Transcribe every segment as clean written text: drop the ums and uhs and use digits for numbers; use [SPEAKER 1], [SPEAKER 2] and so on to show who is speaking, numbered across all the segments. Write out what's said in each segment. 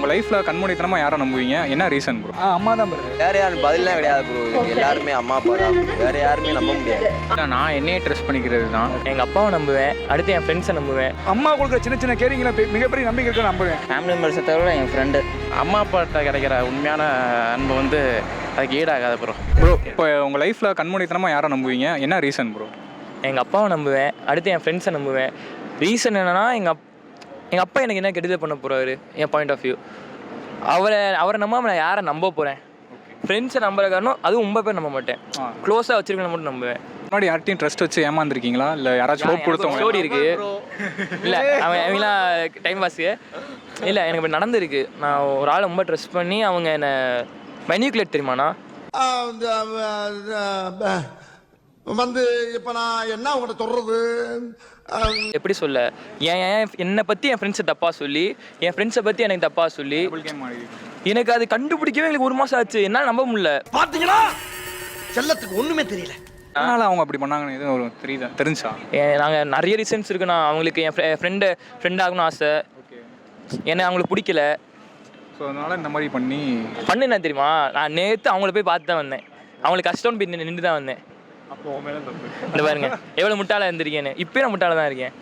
[SPEAKER 1] உங்கள் லைஃப்பில் கண்மூடித்தனமாக யாரை நம்புவீங்க? என்ன ரீசன் ப்ரோ?
[SPEAKER 2] அம்மா தான் ப்ரோ.
[SPEAKER 3] வேறு யாரும் பதிலாம் கிடையாது ப்ரோ. எல்லாருமே அம்மா அப்பா தான். வேறு யாருமே நம்ப முடியாது.
[SPEAKER 1] நான் என்னையே ட்ரெஸ் பண்ணிக்கிறது தான்.
[SPEAKER 4] எங்கள் அப்பாவை நம்புவேன், அடுத்து என் ஃப்ரெண்ட்ஸை நம்புவேன்.
[SPEAKER 2] அம்மா கொடுக்குற சின்ன சின்ன கேரிங்கில் மிகப்பெரிய நம்பிக்கை இருக்க நம்புவேன்.
[SPEAKER 4] ஃபேமிலி மெம்பர்ஸை தவிர என் ஃப்ரெண்டு.
[SPEAKER 5] அம்மா அப்பாட்ட கிடைக்கிற உண்மையான அன்பு வந்து அதுக்கு ஈடாகாது ப்ரோ.
[SPEAKER 1] ப்ரோ இப்போ உங்கள் லைஃப்பில் கண்மூடித்தனமாக யாரை நம்புவீங்க? என்ன ரீசன் ப்ரோ?
[SPEAKER 4] எங்கள் அப்பாவை நம்புவேன், அடுத்து என் ஃப்ரெண்ட்ஸை நம்புவேன். ரீசன் என்னென்னா எங்கள் அப்பா எனக்கு என்ன கெடுதல் பண்ண போகிறாரு என் பாயிண்ட் ஆஃப் வியூ. அவரை நம்பாமல் நான் யாரை நம்ப போகிறேன்? ஃப்ரெண்ட்ஸை நம்புற காரணம் அதுவும் ரொம்ப பேர் நம்ப மாட்டேன். க்ளோஸாக வச்சிருக்கேன் மட்டும் நம்புவேன்.
[SPEAKER 1] முன்னாடி யார்ட்டையும் ட்ரஸ்ட் வச்சு ஏமாந்துருக்கீங்களா? இல்லை யாராச்சும் ஹோப் கொடுத்தவங்க?
[SPEAKER 4] ஸ்டோரி இருக்குது. இல்லை அவங்களாம் டைம் பாஸுக்கு இல்லை, எனக்கு இப்படி நடந்திருக்கு. நான் ஒரு ஆளை ரொம்ப ட்ரஸ்ட் பண்ணி அவங்க என்னை மெனிக்குலேட் தெரியுமாண்ணா
[SPEAKER 6] வந்து இப்போ நான் என்ன உங்கள்கிட்ட சொல்கிறது?
[SPEAKER 4] எப்படி சொல்ல, என்னை பற்றி என் ஃப்ரெண்ட்ஸை தப்பாக சொல்லி, என் ஃப்ரெண்ட்ஸை பற்றி எனக்கு தப்பாக சொல்லி, எனக்கு அது கண்டுபிடிக்கவே எங்களுக்கு 1 மாதம் ஆச்சு. என்னால் நம்ப முடியல.
[SPEAKER 6] பார்த்தீங்களா, செல்லத்துக்கு ஒன்றுமே தெரியல.
[SPEAKER 1] அதனால் அவங்க அப்படி பண்ணாங்கன்னு எதுவும் ஒரு தெரிஞ்சா?
[SPEAKER 4] நாங்கள் நிறைய ரீசன்ஸ் இருக்குண்ணா. அவங்களுக்கு என் ஃப்ரெண்ட் ஆகணும்னு ஆசை, என்னை அவங்களுக்கு பிடிக்கல.
[SPEAKER 1] ஸோ அதனால் இந்த மாதிரி
[SPEAKER 4] என்ன தெரியுமா, நான் நேற்று அவங்கள போய் பார்த்து தான் வந்தேன். அவங்களுக்கு கஷ்டம்னு போய் நின்று தான் வந்தேன். இந்த பாருங்க எவ்வளவு முட்டாளா இருந்திருக்கேன்னு. இப்பயும் நான் முட்டாளா தான் இருக்கேன்.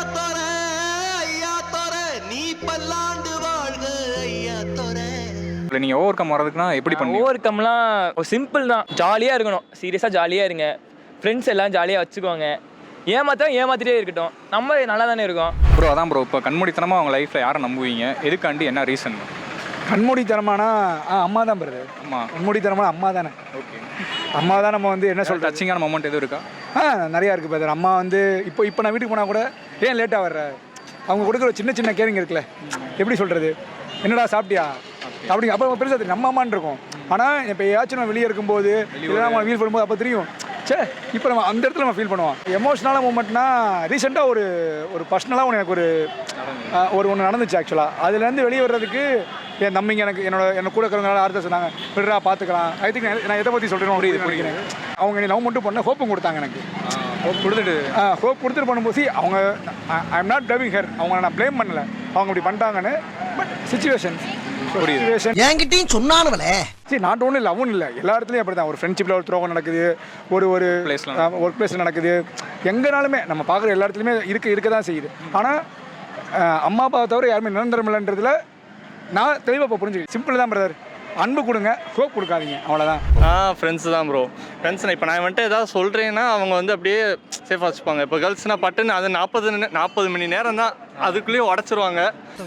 [SPEAKER 1] நீங்க ஓவர் கம் வரதுக்குன்னா எப்படி பண்ணுவீங்க?
[SPEAKER 4] ஓவர் கம்லாம் சிம்பிள் தான். ஜாலியா இருக்கணும், சீரியஸா ஜாலியா இருங்க. ஃப்ரெண்ட்ஸ் எல்லாம் ஜாலியா வச்சுக்கோங்க. ஏமாத்திட்டே இருக்கட்டும், நம்ம நல்லா தானே இருக்கோம்
[SPEAKER 1] ப்ரோ. அதான் ப்ரோ, இப்போ கண்மூடித்தனமாக உங்கள் லைஃப்பில் யாரை நம்புவீங்க? எதுக்காண்டி, என்ன ரீசன்?
[SPEAKER 2] கண்மூடித்தனமானா அம்மா தான் வருது.
[SPEAKER 1] அம்மா
[SPEAKER 2] கண்மூடித்தனமான அம்மா தானே.
[SPEAKER 1] ஓகே,
[SPEAKER 2] அம்மா தான். நம்ம வந்து என்ன சொல்கிறது,
[SPEAKER 1] டச்சிங்கான மொமெண்ட் எதுவும் இருக்கா?
[SPEAKER 2] நிறையா இருக்குது பிரதர். அம்மா வந்து இப்போ நான் வீட்டுக்கு போனால் கூட ஏன் லேட்டாக வர்ற, அவங்க கொடுக்குற சின்ன சின்ன கேரிங் இருக்குல்ல, எப்படி சொல்கிறது, என்னடா சாப்பிட்டியா அப்படிங்க, அப்போ பெருசாக தெரியும் நம்ம அம்மான்னு இருக்கும். ஆனால் இப்போ ஏதாச்சும் நம்ம வெளியே இருக்கும்போது இல்லைனா நம்ம ஃபீல் பண்ணும்போது அப்போ தெரியும், சே இப்போ நம்ம அந்த இடத்துல நம்ம ஃபீல் பண்ணுவோம். எமோஷ்னலான மூமெண்ட்னா ரீசெண்டாக ஒரு பர்சனலாக எனக்கு ஒன்று நடந்துச்சு ஆக்சுவலாக. அதுலேருந்து வெளியே வர்றதுக்கு என் தம்பிங்க என்னோட கூட இருக்கிறவங்களால ஆறுதல் சொன்னாங்க, விடுறா பார்த்துக்கலாம். ஐ திங்க் நான் எதை பற்றி சொல்கிறேன் புரியுது. அவங்க என்னை லவ் மட்டும் பண்ண ஹோப்பும் கொடுத்தாங்க எனக்கு. ஹோப் கொடுத்துட்டு பண்ணும்போது அவங்க I am not blaming her, அவங்க நான் ப்ளேம் பண்ணலை, அவங்க இப்படி பண்ணிட்டாங்கன்னு. பட் சிச்சுவேஷன்
[SPEAKER 6] என்கிட்டையும் சொன்னானுவலே.
[SPEAKER 2] சரி, நாட் ஒன்றும் இல்லை, அவனும் இல்லை, எல்லா இடத்துலையும் அப்படி தான். ஒரு ஃப்ரெண்ட்ஷிப்பில் ஒரு துரோகம் நடக்குது, ஒரு ஒர்க் பிளேஸில் நடக்குது, எங்கேனாலுமே நம்ம பார்க்குற எல்லா இடத்துலையுமே இருக்க தான் செய்யுது. ஆனால் அம்மா அப்பாவை தவிர யாருமே நிரந்தரம் இல்லைன்றதுல நான் தெளிவாக இப்போ புரிஞ்சுக்கிறேன். சிம்பிள் தான் பிரதர், அன்பு கொடுங்க, ஹோப் கொடுக்காதீங்க, அவ்வளோதான்.
[SPEAKER 5] ஃப்ரெண்ட்ஸு தான் ப்ரோ. ஃப்ரெண்ட்ஸ் இப்போ நான் வந்துட்டு ஏதாவது சொல்கிறேன்னா அவங்க வந்து அப்படியே சேஃபாக வச்சுப்பாங்க. இப்போ கேர்ள்ஸ்னால் பட்டுன்னு அது 40 மணி நேரம் தான், அதுக்குள்ளேயே உடச்சிருவாங்க.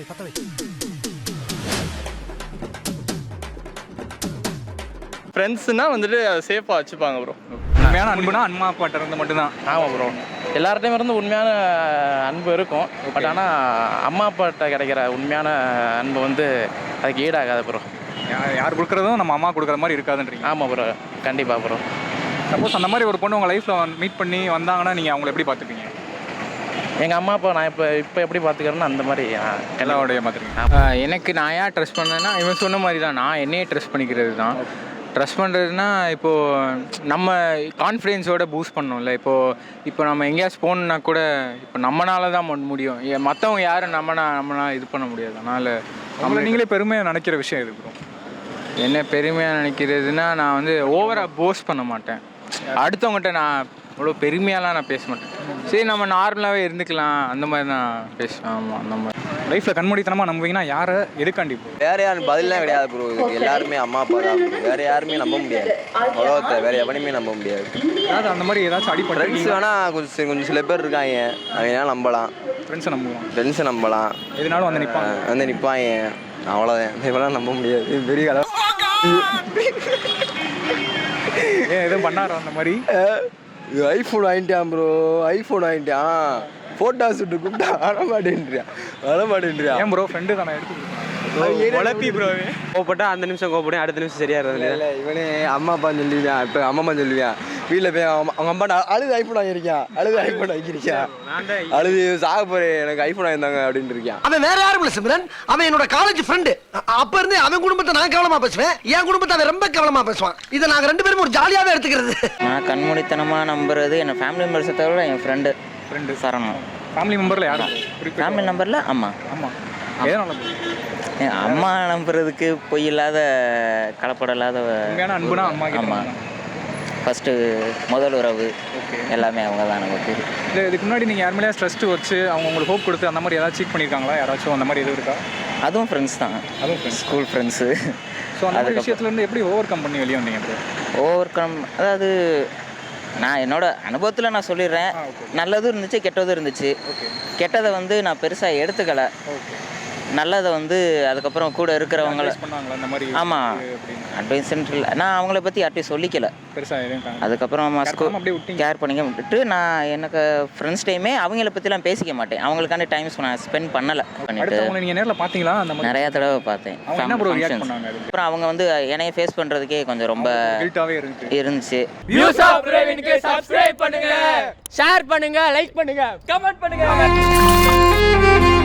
[SPEAKER 5] ஃப்ரெண்ட்ஸுனால் வந்துட்டு சேஃபாக வச்சுப்பாங்க ப்ரோ.
[SPEAKER 1] உண்மையான அன்புனா அம்மா அப்பாட்ட இருந்து மட்டும்தான்.
[SPEAKER 5] ஆமாம் ப்ரோ, எல்லார்ட்டையும் இருந்து உண்மையான அன்பு இருக்கும். பட் ஆனால் அம்மா அப்பாட்ட கிடைக்கிற உண்மையான அன்பு வந்து அதுக்கு ஈடாகாது ப்ரோ.
[SPEAKER 1] யார் கொடுக்குறதும் நம்ம அம்மா கொடுக்குற மாதிரி இருக்காதுன்றீங்க?
[SPEAKER 5] ஆமாம் ப்ரோ, கண்டிப்பாக ப்ரோ.
[SPEAKER 1] சப்போஸ் அந்த மாதிரி ஒரு பொண்ணு உங்கள் லைஃப்பில் மீட் பண்ணி வந்தாங்கன்னா நீங்கள் அவங்கள எப்படி பார்த்துப்பீங்க?
[SPEAKER 5] எங்கள் அம்மா அப்பா நான் இப்போ எப்படி பார்த்துக்கிறேன்னு அந்த மாதிரி
[SPEAKER 1] எல்லாரோடைய பார்த்துருக்கீங்க.
[SPEAKER 7] எனக்கு நான் ஏன் ட்ரெஸ் பண்ணேன்னா, இவன் சொன்ன மாதிரி தான், நான் என்னையே ட்ரெஸ் பண்ணிக்கிறது தான். ட்ரெஸ் பண்ணுறதுனா இப்போது நம்ம கான்ஃபிடென்ஸோட பூஸ்ட் பண்ணோம்ல. இப்போ நம்ம எங்கேயாச்சும் போகணுன்னா கூட இப்போ நம்மளால தான் முடியும், மற்றவங்க யாரும் நம்மளால இது பண்ண முடியாது. அதனால்
[SPEAKER 1] நம்மளை நீங்களே பெருமையாக நினைக்கிற விஷயம் இது ப்ரோ?
[SPEAKER 7] என்ன பெருமையாக நினைக்கிறதுனா, நான் வந்து ஓவராக போஸ்ட் பண்ண மாட்டேன். அடுத்தவங்ககிட்ட நான் அவ்வளோ பெருமையாலாம் நான் பேச மாட்டேன். சரி, நம்ம நார்மலாகவே இருந்துக்கலாம், அந்த மாதிரி தான் பேசுவேன். ஆமாம், அந்த மாதிரி.
[SPEAKER 1] லைஃப்பில் கண்மூடித்தனமாக நம்புவீங்கன்னா யாரை, எதுக்காண்டி?
[SPEAKER 3] வேறு யாரும் பதிலாம் கிடையாது ப்ரோ. எல்லாருமே அம்மா அப்பா தான். வேறு யாருமே நம்ப முடியாது. உலகத்தை வேறு எவனையுமே நம்ப முடியாது.
[SPEAKER 1] அதாவது அந்த மாதிரி ஏதாச்சும் அடிப்படை
[SPEAKER 3] ஃப்ரெண்ட்ஸ் வேணால் கொஞ்சம் சில பேர் இருக்காங்க, அவங்க நம்பலாம். ஃப்ரெண்ட்ஸை நம்பலாம்,
[SPEAKER 1] எதுனாலும் வந்து
[SPEAKER 3] நிற்பாங்க. அவ்வளோதான், இவெல்லாம் நம்ப முடியாது. பெரிய கதை.
[SPEAKER 2] எதுவும் பண்ணாரோ அந்த மாதிரி?
[SPEAKER 3] ஐஃபோன் வாங்கிட்டான் ப்ரோ, ஐஃபோன் வாங்கிட்டான். ஃபோட்டோ ஷூட்டு கூப்பிட்டா வரமாட்டேன்றியா.
[SPEAKER 1] ஏன் ப்ரோ, ஃப்ரெண்டு தானே எடுத்து
[SPEAKER 5] உழப்பி ப்ரோ. கோவப்பட்டா அந்த நிமிஷம் கோவப்படும், அடுத்த நிமிஷம் சரியா இருந்தது.
[SPEAKER 3] இல்லை, இவனே அம்மா அப்பான்னு சொல்லுவியான். இப்போ அம்மா சொல்லுவியான், வீட்டில் போய் அவங்க அம்மா அழுது ஐஃபோன் வாங்கியிருக்கான், அழுது சாக போறேன், எனக்கு ஐஃபோன் வாங்கியிருந்தாங்க அப்படின்ட்டு இருக்கான்.
[SPEAKER 6] அவன் வேற யாரும் இல்லை சிம்ரன், அவன் என்னோட காலேஜ் ஃப்ரெண்டு. அப்ப இருந்து அவன் குடும்பத்தை நான் கவனமா பேசுவேன், என் குடும்பத்தை அவன் ரொம்ப கவனமா பேசுவான். இதை நாங்கள் 2 பேரும் ஒரு ஜாலியாவே எடுத்துக்கிறது.
[SPEAKER 4] நான் கண்மூடித்தனமாக நம்புறது என் ஃபேமிலி மெம்பர்ஸை தவிர என் ஃப்ரெண்டு சரணம்.
[SPEAKER 1] ஃபேமிலி மெம்பரில் யாரும்?
[SPEAKER 4] ஃபேமிலி நம்பரில் அம்மா.
[SPEAKER 1] எதனால?
[SPEAKER 8] அம்மா நம்புறதுக்கு பொய் இல்லாத கலப்படம் இல்லாத
[SPEAKER 1] உண்மையான அன்புனா அம்மா கிட்ட
[SPEAKER 8] ஆமாம்
[SPEAKER 1] தான்.
[SPEAKER 8] ஃபஸ்ட்டு முதல் உறவு
[SPEAKER 1] ஓகே.
[SPEAKER 8] எல்லாமே அவங்க தான் நமக்கு.
[SPEAKER 1] இல்லை இதுக்கு முன்னாடி நீங்கள் யார் மேலேயா ட்ரஸ்ட் வச்சு அவங்க உங்களுக்கு ஹோப் கொடுத்து அந்த மாதிரி ஏதாச்சும் சீட் பண்ணியிருக்காங்களா யாராச்சும் அந்த மாதிரி எதுவும் இருக்கா?
[SPEAKER 8] அதுவும் ஃப்ரெண்ட்ஸ் தான்,
[SPEAKER 1] அதுவும் ஃப்ரெண்ட்ஸ்.
[SPEAKER 8] School friends.
[SPEAKER 1] ஸோ அந்த மாதிரி விஷயத்துலேருந்து எப்படி ஓவர் கம் பண்ணி வெளியே வந்தீங்க ப்ரோ?
[SPEAKER 8] ஓவர் கம் அதாவது நான் என்னோட அனுபவத்தில் நான் சொல்லிடுறேன். நல்லதும் இருந்துச்சு கெட்டதும் இருந்துச்சு. கெட்டதை வந்து நான் பெருசாக எடுத்துக்கலை. நல்லதை வந்து அதுக்கப்புறம் கூட இருக்கிறவங்கள
[SPEAKER 1] பண்ணாங்களா அந்த மாதிரி?
[SPEAKER 8] ஆமாம், அட்வைஸ் இல்லை, நான் அவங்கள பற்றி யார்ட்டையும் சொல்லிக்கல.
[SPEAKER 1] பெருசாக எதுவும்
[SPEAKER 8] அதுக்கப்புறம்
[SPEAKER 1] அப்படியே விட்டீங்க.
[SPEAKER 8] கேர் பண்ணிக்க விட்டுட்டு நான் எனக்கு ஃப்ரெண்ட்ஸ் டைமே அவங்கள பற்றிலாம் பேசிக்க மாட்டேன். அவங்களுக்காண்டி டைம் நான் ஸ்பெண்ட் பண்ணலை பண்ணிட்டு
[SPEAKER 1] அடுத்து அவங்களை நீங்கள் நேரில் பார்த்தீங்களா அந்த மாதிரி?
[SPEAKER 8] நிறையா தடவை பார்த்தேன்.
[SPEAKER 1] அவங்க என்ன ப்ரோ ரியாக்ட்
[SPEAKER 8] functions.
[SPEAKER 1] பண்ணாங்க அதுக்கு?
[SPEAKER 8] அப்புறம் அவங்க வந்து என்னைய ஃபேஸ் பண்ணுறதுக்கே கொஞ்சம் ரொம்ப
[SPEAKER 1] கில்ட்டாவே இருந்துச்சு.
[SPEAKER 8] இருந்துச்சு.
[SPEAKER 4] வியூஸ் ஆஃப் பிரவீனுக்கு சப்ஸ்கிரைப் பண்ணுங்க, ஷேர் பண்ணுங்க, லைக் பண்ணுங்க, கமெண்ட் பண்ணுங்க.